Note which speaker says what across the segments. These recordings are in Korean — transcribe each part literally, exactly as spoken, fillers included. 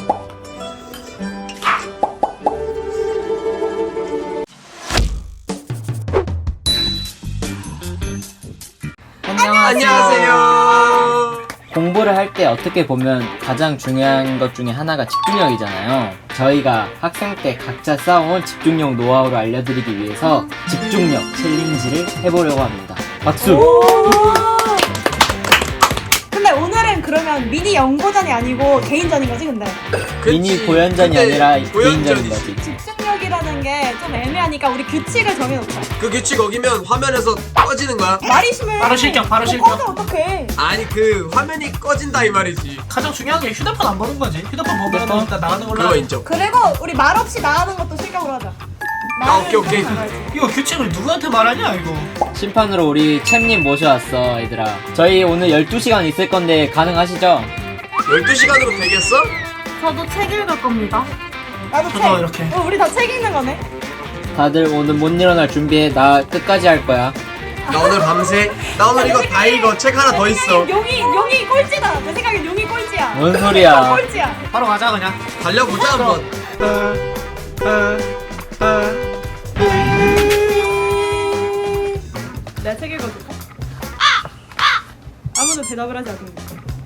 Speaker 1: 안녕하세요.
Speaker 2: 공부를 할 때 어떻게 보면 가장 중요한 것 중에 하나가 집중력이잖아요. 저희가 학생 때 각자 쌓아온 집중력 노하우를 알려드리기 위해서 집중력 챌린지를 해보려고 합니다. 박수!
Speaker 3: 근데 오늘은 그러면 미니 연고전이 아니고 개인전인 거지 근데?
Speaker 2: 미니 고연전이 아니라 개인전인 거지.
Speaker 3: 집중력이라는 게 좀 애매하니까 우리 규칙을 정해놓자.
Speaker 1: 그 규칙 어기면 화면에서 꺼지는 거야?
Speaker 3: 말이 심해.
Speaker 4: 바로 실격, 바로
Speaker 3: 어,
Speaker 4: 실격.
Speaker 3: 꺼져 어떡해.
Speaker 1: 아니 그 화면이 꺼진다 이 말이지.
Speaker 4: 가장 중요한 게 휴대폰 안 보는 거지. 휴대폰 보면
Speaker 2: 휴대폰?
Speaker 4: 일단 나가는 걸로.
Speaker 1: 그거
Speaker 4: 하자.
Speaker 1: 인정.
Speaker 3: 그리고 우리 말 없이 나가는 것도 실격으로 하자.
Speaker 1: 아, 오케이, 오케이.
Speaker 4: 이거 규칙을 누구한테 말하냐 이거.
Speaker 2: 심판으로 우리 챔님 모셔왔어, 얘들아. 저희 오늘 열두 시간 있을 건데 가능하시죠?
Speaker 1: 열두 시간으로 되겠어?
Speaker 5: 저도 책 읽을 겁니다.
Speaker 3: 나도
Speaker 4: 저도
Speaker 3: 책.
Speaker 4: 이렇게.
Speaker 3: 어, 우리 다 책 읽는 거네.
Speaker 2: 다들 오늘 못 일어날 준비해. 나 끝까지 할 거야.
Speaker 1: 나 오늘 밤새 나 오늘 이거 다 읽어. 책 하나 더 있어.
Speaker 3: 용이 용이 꼴찌다. 내 생각엔 용이 꼴찌야.
Speaker 2: 뭔 소리야.
Speaker 3: 꼴찌야.
Speaker 4: 바로 가자 그냥.
Speaker 1: 달려보자 한번.
Speaker 3: 내가 책 읽어줄까? 아무도 대답을 하지 않는다.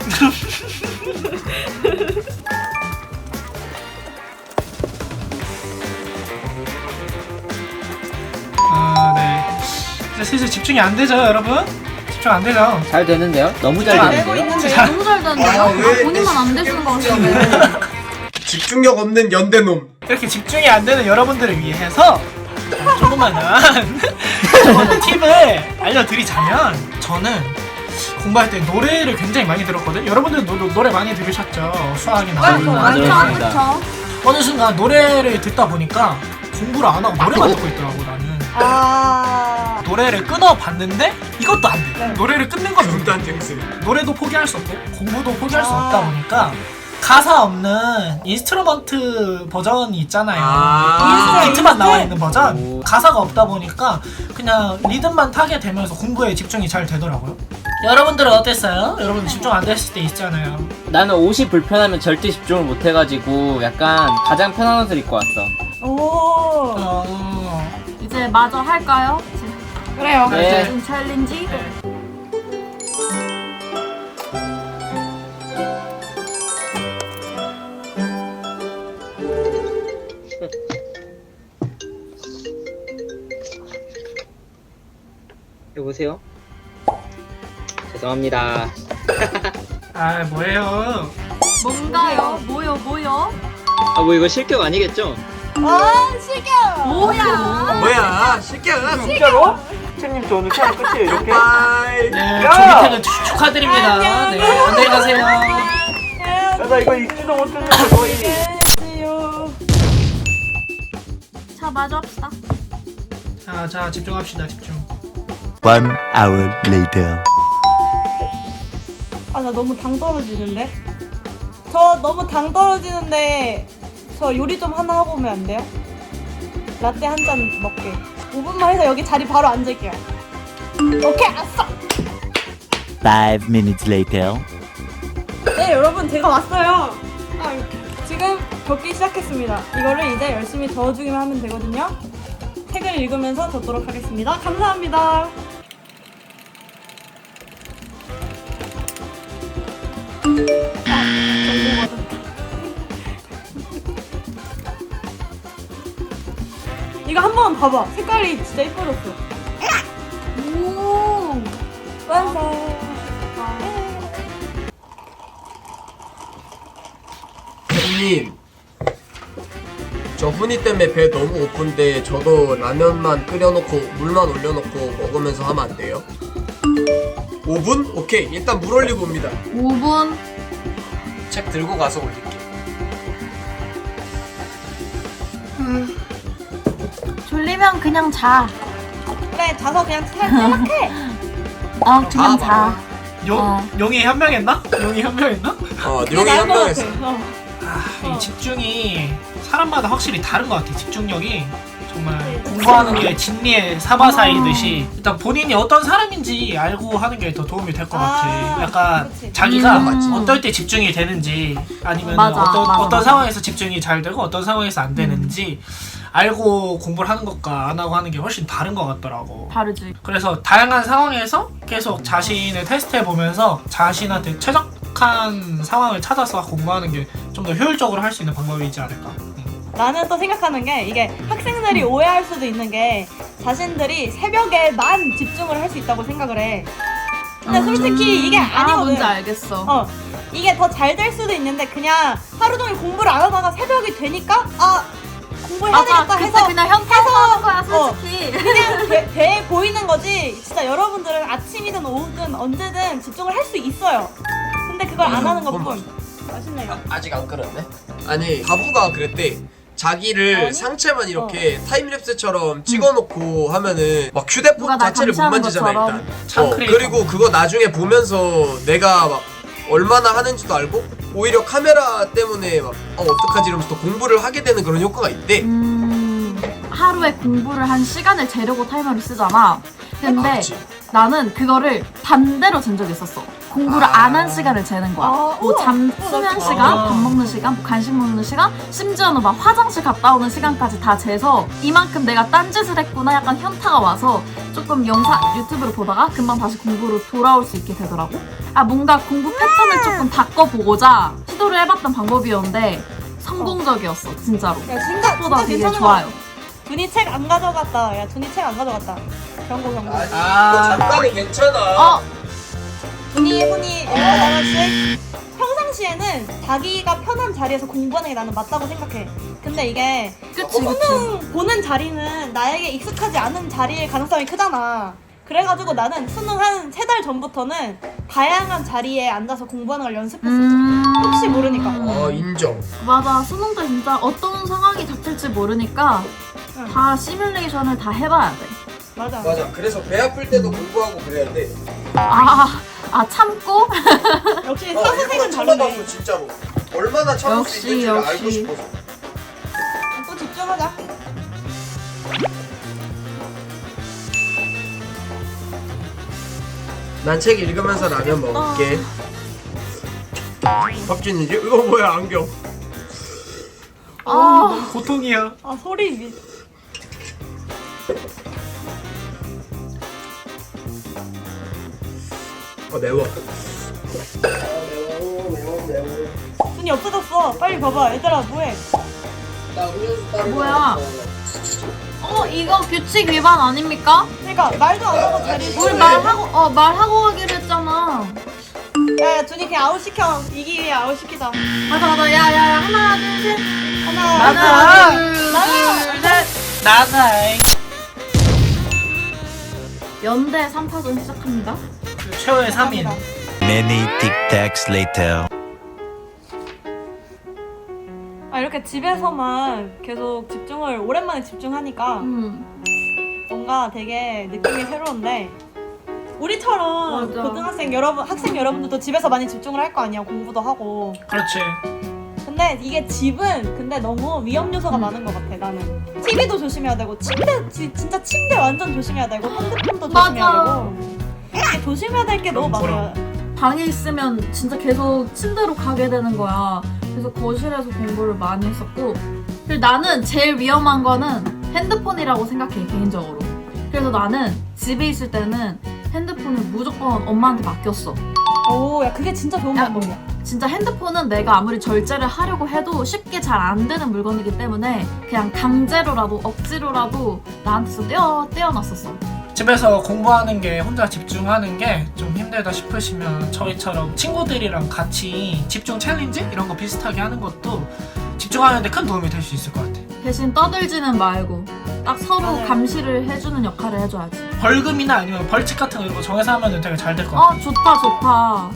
Speaker 4: 아 네. 이제 슬슬 집중이 안 되죠 여러분? 집중 안 되죠?
Speaker 2: 잘 되는데요? 너무 잘
Speaker 4: 아,
Speaker 3: 내고
Speaker 2: 되는데요?
Speaker 3: 있는데.
Speaker 5: 너무 잘 되는데요?
Speaker 1: 아,
Speaker 5: 아,
Speaker 1: 왜
Speaker 5: 본인만 안 되시는 거 같은데.
Speaker 1: 집중력 없는 연대놈.
Speaker 4: 이렇게 집중이 안 되는 여러분들을 위해서 조그마한 조그마한 팁을 알려드리자면 저는 공부할 때 노래를 굉장히 많이 들었거든요. 여러분들 노, 노래 많이 들으셨죠? 수학이나
Speaker 3: 아,
Speaker 4: 물리나.
Speaker 2: 맞아요.
Speaker 5: 그쵸,
Speaker 2: 그렇습니다.
Speaker 5: 그쵸.
Speaker 4: 어느 순간 노래를 듣다 보니까 공부를 안 하고 노래만 듣고 있더라고 나는.
Speaker 3: 아.
Speaker 4: 노래를 끊어봤는데 이것도 안 돼.
Speaker 3: 네.
Speaker 4: 노래를 끊는 건
Speaker 1: 중단 쟁스.
Speaker 4: 노래도 포기할 수 없고 공부도 포기할 수
Speaker 3: 아.
Speaker 4: 없다 보니까 가사 없는 인스트루먼트 버전이 있잖아요.
Speaker 1: 아.
Speaker 3: 인스트-
Speaker 4: 비트만
Speaker 3: 인스트?
Speaker 4: 나와 있는 버전.
Speaker 2: 오.
Speaker 4: 가사가 없다 보니까 그냥 리듬만 타게 되면서 공부에 집중이 잘 되더라고요. 여러분들은 어땠어요? 여러분 집중 안 됐을 때 있잖아요.
Speaker 2: 나는 옷이 불편하면 절대 집중을 못 해가지고 약간 가장 편한 옷을 입고 왔어.
Speaker 3: 오.
Speaker 4: 어...
Speaker 5: 이제 마저 할까요?
Speaker 3: 그래요.
Speaker 2: 네.
Speaker 5: 지금 챌린지?
Speaker 2: 여보세요? 죄송합니다.
Speaker 4: 아 뭐예요?
Speaker 5: 뭔가요? 뭐요, 뭐요?
Speaker 2: 아 뭐 이거 실격 아니겠죠?
Speaker 3: 아, 실격.
Speaker 5: 뭐야?
Speaker 1: 뭐야? 실격.
Speaker 2: 진짜로? 챔님 저 오늘 시험 끝이에요 이렇게?
Speaker 1: 바이.
Speaker 4: 네, 조기퇴근 축- 축하드립니다.
Speaker 3: 안녕.
Speaker 4: 네, 안녕히 가세요.
Speaker 2: 나 이거 읽지도 못했는데 거의.
Speaker 3: 안녕하세요.
Speaker 5: 자, 마저 합시다.
Speaker 4: 자, 자 집중합시다. 집중.
Speaker 6: One hour later.
Speaker 3: 아, 나 너무 당 떨어지는데? 저 너무 당 떨어지는데 저 요리 좀 하나 하고 오면 안 돼요? 라떼 한 잔 먹게. 오 분만 해서 여기 자리 바로 앉을게요. 오케이, 알았어!
Speaker 6: Five minutes later.
Speaker 3: 네, 여러분, 제가 왔어요. 아, 지금 적기 시작했습니다. 이거를 이제 열심히 적어주기만 하면 되거든요. 책을 읽으면서 적도록 하겠습니다. 감사합니다. 아, 이거 한 번 봐봐. 색깔이 진짜 이뻐졌어.
Speaker 5: 오!
Speaker 3: 완성.
Speaker 1: 형님. 저 훈이 때문에 배 너무 고픈데 저도 라면만 끓여놓고 물만 올려놓고 먹으면서 하면 안 돼요? 오 분? 오케이. 일단 물 올리고 옵니다.
Speaker 5: 오 분.
Speaker 1: 책 들고 가서 올릴게.
Speaker 5: 졸리면 그냥 자.
Speaker 3: 그래, 자서 그냥 탈락해.
Speaker 5: 어, 그냥
Speaker 1: 아,
Speaker 5: 자.
Speaker 4: 용
Speaker 5: 어.
Speaker 4: 용이 현명했나? 용이 현명했나?
Speaker 1: 어, 용이 현명했어.
Speaker 4: 아, 이 집중이 사람마다 확실히 다른 것 같아. 집중력이 정말 공부하는 게 진리의 사바사이듯이 일단 본인이 어떤 사람인지 알고 하는 게 더 도움이 될 것 같아.
Speaker 3: 아,
Speaker 4: 약간
Speaker 3: 그치.
Speaker 4: 자기가
Speaker 5: 음.
Speaker 4: 어떨 때 집중이 되는지 아니면
Speaker 5: 맞아,
Speaker 4: 어떤,
Speaker 5: 맞아,
Speaker 4: 어떤
Speaker 5: 맞아.
Speaker 4: 상황에서 집중이 잘 되고 어떤 상황에서 안 되는지 알고 공부를 하는 것과 안 하고 하는 게 훨씬 다른 것 같더라고.
Speaker 5: 다르지.
Speaker 4: 그래서 다양한 상황에서 계속 자신을 테스트해 보면서 자신한테 최적한 상황을 찾아서 공부하는 게 좀 더 효율적으로 할 수 있는 방법이지 않을까. 음.
Speaker 3: 나는 또 생각하는 게 이게 학생들이 오해할 수도 있는 게 자신들이 새벽에만 집중을 할 수 있다고 생각을 해. 근데 솔직히 이게
Speaker 5: 아,
Speaker 3: 아니거든.
Speaker 5: 뭔지 알겠어.
Speaker 3: 어, 이게 더 잘 될 수도 있는데 그냥 하루 종일 공부를 안 하다가 새벽이 되니까 아 공부해야
Speaker 5: 맞아.
Speaker 3: 되겠다
Speaker 5: 그때
Speaker 3: 해서
Speaker 5: 그냥 현타서 하는 거야,
Speaker 3: 어.
Speaker 5: 솔직히.
Speaker 3: 그냥 돼, 돼 보이는 거지. 진짜 여러분들은 아침이든 오후든 언제든 집중을 할 수 있어요. 근데 그걸 안 하는 것뿐. 맛있네요.
Speaker 1: 아, 아직 안 끓었네? 아니 가부가 그랬대. 자기를
Speaker 3: 아니?
Speaker 1: 상체만 이렇게 타임랩스처럼 찍어놓고 하면은 막 휴대폰
Speaker 5: 누가 날
Speaker 1: 자체를 못
Speaker 5: 감시하는
Speaker 1: 만지잖아
Speaker 5: 것처럼.
Speaker 1: 일단. 어,
Speaker 4: 창크레이터.
Speaker 1: 그리고 그거 나중에 보면서 내가 막 얼마나 하는지도 알고 오히려 카메라 때문에 막 어, 어떡하지 이러면서 또 공부를 하게 되는 그런 효과가 있대.
Speaker 5: 음, 하루에 공부를 한 시간을 재려고 타이머를 쓰잖아. 근데
Speaker 1: 아, 그치.
Speaker 5: 나는 그거를 반대로 잰 적이 있었어. 공부를
Speaker 1: 아.
Speaker 5: 안 한 시간을 재는 거야.
Speaker 3: 아,
Speaker 5: 뭐
Speaker 3: 우와.
Speaker 5: 잠,
Speaker 3: 우와,
Speaker 5: 수면
Speaker 3: 나
Speaker 5: 시간,
Speaker 4: 좋아.
Speaker 5: 밥 먹는 시간, 뭐 간식 먹는 시간, 심지어는 막 화장실 갔다 오는 시간까지 다 재서 이만큼 내가 딴짓을 했구나 약간 현타가 와서 조금 영상 유튜브를 보다가 금방 다시 공부로 돌아올 수 있게 되더라고. 아 뭔가 공부 패턴을 조금 바꿔보고자 시도를 해봤던 방법이었는데 성공적이었어 진짜로.
Speaker 3: 야 진짜
Speaker 5: 보다
Speaker 3: 진짜
Speaker 5: 되게
Speaker 3: 괜찮은
Speaker 5: 좋아요.
Speaker 3: 거. 준이 책 안 가져갔다. 야 준이 책 안 가져갔다. 경고 경고.
Speaker 1: 아니
Speaker 4: 아.
Speaker 1: 이거 잠깐은 괜찮아.
Speaker 5: 어
Speaker 3: 준이 훈이 일곱 하나씩 평상시에는 자기가 편한 자리에서 공부하는 게 나는 맞다고 생각해. 근데 이게
Speaker 5: 그치 그치.
Speaker 3: 수능 보는 자리는 나에게 익숙하지 않은 자리일 가능성이 크잖아. 그래가지고 나는 수능 한 세 달 전부터는 다양한 자리에 앉아서 공부하는 걸 연습했었어.
Speaker 5: 음...
Speaker 3: 혹시 모르니까.
Speaker 1: 어 인정.
Speaker 5: 맞아 수능 때 진짜 어떤 상황이 닥칠지 모르니까
Speaker 3: 응.
Speaker 5: 다 시뮬레이션을 다 해봐야 돼.
Speaker 3: 맞아.
Speaker 1: 맞아. 그래서 배 아플 때도 공부하고 그래야 돼.
Speaker 5: 아, 아 참고?
Speaker 3: 역시
Speaker 1: 어,
Speaker 3: 사선생은
Speaker 1: 일부러
Speaker 3: 다르네.
Speaker 1: 참아봤어 진짜로. 얼마나 참을 수
Speaker 5: 역시,
Speaker 1: 있는지를
Speaker 5: 역시.
Speaker 1: 알고 싶어서.
Speaker 3: 또 집중하자.
Speaker 1: 난 책 읽으면서 라면 먹을게. 박진이지? 이거 뭐야 안경?
Speaker 5: 아,
Speaker 4: 고통이야.
Speaker 3: 아 소리 미.
Speaker 1: 어 매워. 아 매워 매워 매워.
Speaker 3: 준이 없어졌어. 빨리 봐봐. 얘들아 뭐해?
Speaker 1: 나 음료수 따로
Speaker 5: 뭐야?
Speaker 1: 먹었어.
Speaker 5: 어 이거 규칙 위반 아닙니까?
Speaker 3: 그러니까 말도 안 하고 자리에서.
Speaker 5: 우리 말하고 어 말하고 가기로 했잖아.
Speaker 3: 야, 야 준이 그냥 아웃 시켜. 이기 위해 아웃 시키자.
Speaker 5: 맞아 맞아 야야야 하나 둘 셋.
Speaker 3: 하나.
Speaker 4: 하나,
Speaker 5: 둘,
Speaker 3: 나가.
Speaker 5: 둘, 셋.
Speaker 4: 나사이.
Speaker 5: 연대 삼 파전 시작합니다.
Speaker 4: 최후의 삼 인.
Speaker 6: Many tic-tacs later.
Speaker 3: 아 이렇게 집에서만 계속 집중을 오랜만에 집중하니까
Speaker 5: 음.
Speaker 3: 뭔가 되게 느낌이 새로운데 우리처럼
Speaker 5: 맞아.
Speaker 3: 고등학생 여러분 학생 여러분들도 집에서 많이 집중을 할 거 아니야. 공부도 하고.
Speaker 4: 그렇지.
Speaker 3: 근데 이게 집은 근데 너무 위험 요소가
Speaker 5: 음.
Speaker 3: 많은 것 같아. 나는 티비도 조심해야 되고 침대 지, 진짜 침대 완전 조심해야 되고 핸드폰도
Speaker 5: 맞아.
Speaker 3: 조심해야 되고 이게 조심해야 될 게 너무 많아요.
Speaker 5: 방에 있으면 진짜 계속 침대로 가게 되는 거야. 그래서 거실에서 공부를 많이 했었고 그리고 나는 제일 위험한 거는 핸드폰이라고 생각해 개인적으로. 그래서 나는 집에 있을 때는 핸드폰을 무조건 엄마한테 맡겼어.
Speaker 3: 오, 야 그게 진짜 좋은
Speaker 5: 야,
Speaker 3: 방법이야.
Speaker 5: 진짜 핸드폰은 내가 아무리 절제를 하려고 해도 쉽게 잘 안 되는 물건이기 때문에 그냥 강제로라도 억지로라도 나한테서 떼어, 떼어놨었어.
Speaker 4: 집에서 공부하는 게 혼자 집중하는 게 좀 힘들다 싶으시면 저희처럼 친구들이랑 같이 집중 챌린지 이런 거 비슷하게 하는 것도 집중하는데 큰 도움이 될 수 있을 것 같아.
Speaker 5: 대신 떠들지는 말고 딱 서로
Speaker 3: 맞아요.
Speaker 5: 감시를 해주는 역할을 해줘야지.
Speaker 4: 벌금이나 아니면 벌칙 같은 거 이런 거 정해서 하면 되게 잘 될 것 같아.
Speaker 5: 어 좋다 좋다.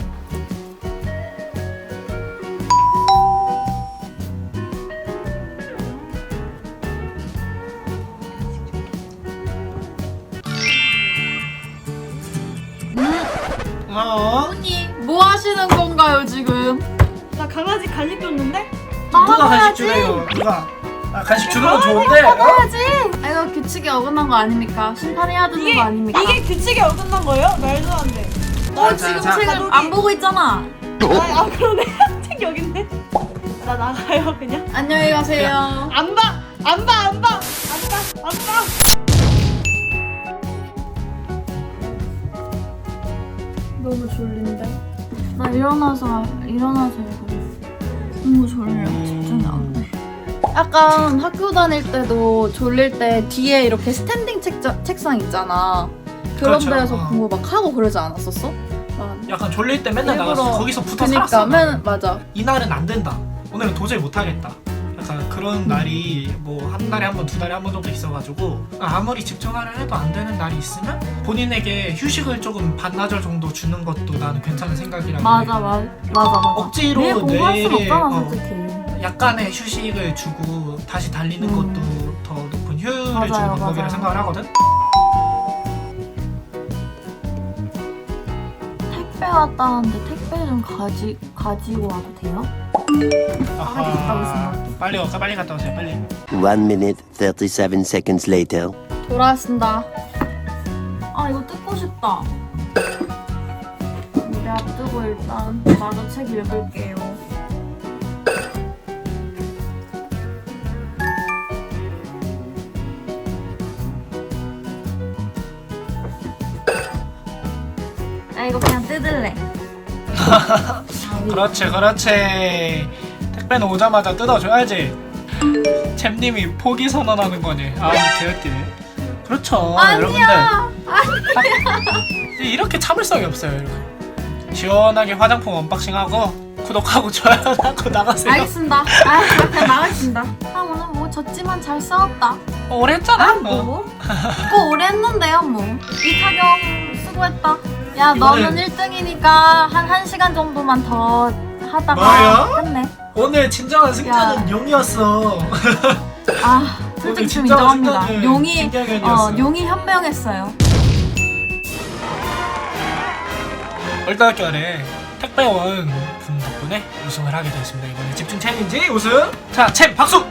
Speaker 4: 어?
Speaker 5: 언니 뭐 하시는 건가요 지금?
Speaker 3: 나 강아지 간식 줬는데?
Speaker 4: 누가 간식
Speaker 5: 나가야지.
Speaker 4: 주래요? 누가? 아, 간식 주는 건 좋은데. 어?
Speaker 5: 해야지. 아, 이거 규칙에 어긋난 거 아닙니까? 심판해야 되는
Speaker 3: 이게
Speaker 5: 거 아닙니까?
Speaker 3: 이게 규칙에 어긋난 거예요? 말도 안 돼.
Speaker 5: 너
Speaker 4: 자,
Speaker 5: 지금
Speaker 4: 자,
Speaker 5: 책을
Speaker 3: 가족이-
Speaker 5: 안 보고 있잖아.
Speaker 3: 아, 아 그러네. 책 여기 있네. 나 나가요 그냥.
Speaker 5: 안녕히 가세요.
Speaker 3: 안 봐, 안 봐, 안 봐, 안 봐, 안 봐.
Speaker 5: 너무 졸린데? 나 일어나서 일어나서 해야겠어. 너무 졸려. 집중이 안 돼. 약간 학교 다닐 때도 졸릴 때 뒤에 이렇게 스탠딩 책자, 책상 있잖아. 그런
Speaker 4: 그렇죠.
Speaker 5: 데서
Speaker 4: 어.
Speaker 5: 공부 막 하고 그러지 않았었어? 막
Speaker 4: 약간 졸릴 때 맨날
Speaker 5: 일부러-
Speaker 4: 나가서 거기서 붙어
Speaker 5: 그니까
Speaker 4: 살았어.
Speaker 5: 맨 맞아.
Speaker 4: 이날은 안 된다. 오늘은 도저히 못 하겠다. 약간 그런
Speaker 5: 음.
Speaker 4: 날이 뭐 한 달에 한 번, 두 달에 한 번 정도 있어가지고 아무리 집중하려 해도 안 되는 날이 있으면 본인에게 휴식을 조금 반나절 정도 주는 것도 나는 괜찮은 생각이라고
Speaker 5: 맞아
Speaker 4: 해.
Speaker 5: 맞아 맞아 맞아.
Speaker 4: 억지로
Speaker 5: 매일 공부할 순
Speaker 4: 뇌에,
Speaker 5: 없잖아
Speaker 4: 어,
Speaker 5: 솔직히.
Speaker 4: 약간의 휴식을 주고 다시 달리는
Speaker 5: 음.
Speaker 4: 것도 더 높은 효율을
Speaker 5: 맞아요,
Speaker 4: 주는 방법이라
Speaker 5: 맞아요.
Speaker 4: 생각을 하거든.
Speaker 5: 택배 왔다는데 택배 좀 가지 가지고 와도 돼요?
Speaker 4: 아하,
Speaker 5: 갔다 오세요.
Speaker 4: 빨리 가, 빨리 갔다 오세요. 빨리.
Speaker 7: One minute, thirty-seven seconds later.
Speaker 5: 돌아왔습니다. 아 이거 뜯고 싶다. 우리 앞두고 일단 나도 책 읽을게요. 아 이거 그냥 뜯을래. 아,
Speaker 4: 그렇지, 그렇지. 택배는 오자마자 뜯어줘야지. 잼님이 포기 선언하는 거니. 아, 개웃기네. 그렇죠, 여러분들.
Speaker 5: 아니야.
Speaker 4: 이렇게 참을성이 없어요, 이렇게. 시원하게 화장품 언박싱하고 구독하고 좋아요하고 나가세요.
Speaker 5: 알겠습니다. 아 그냥 나가겠습니다. 아 오늘 뭐 졌지만 잘 싸웠다.
Speaker 4: 어, 오래 했잖아.
Speaker 5: 아 뭐? 뭐 오래 했는데요 뭐. 이타경 수고했다. 야
Speaker 4: 이거는-
Speaker 5: 너는 일 등이니까 한 1시간 정도만 더 하다가
Speaker 4: 뭐야?
Speaker 5: 끝내.
Speaker 4: 오늘 진정한 승자는
Speaker 5: 야.
Speaker 4: 용이었어.
Speaker 5: 아
Speaker 4: 오늘
Speaker 5: 솔직히 좀
Speaker 4: 진정한
Speaker 5: 인정합니다.
Speaker 4: 승자는
Speaker 5: 용이
Speaker 4: 김경현이었어.
Speaker 5: 어 용이 현명했어요.
Speaker 4: 얼떨결에 택배원 분 덕분에 우승을 하게 되었습니다. 이번에 집중 챌린지 우승. 자, 챔 박수.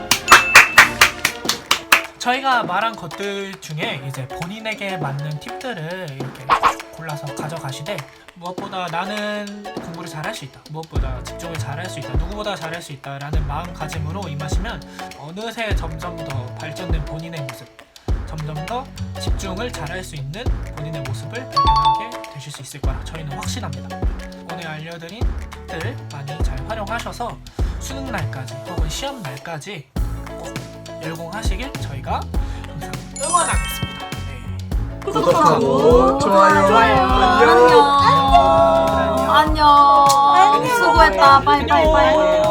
Speaker 4: 저희가 말한 것들 중에 이제 본인에게 맞는 팁들을 이렇게 골라서 가져가시되 무엇보다 나는 공부를 잘할 수 있다, 무엇보다 집중을 잘할 수 있다, 누구보다 잘할 수 있다라는 마음가짐으로 임하시면 어느새 점점 더 발전된 본인의 모습, 점점 더 집중을 잘할 수 있는 본인의 모습을 발견하게 되실 수 있을 거라 저희는 확신합니다. 오늘 알려드린 팁들 많이 잘 활용하셔서 수능 날까지 혹은 시험 날까지 꼭 열공하시길 저희가 항상 응원하겠습니다. 네.
Speaker 1: 구독하고 좋아요.
Speaker 5: 안녕. 안녕. 수고했다. 빠이빠이빠이.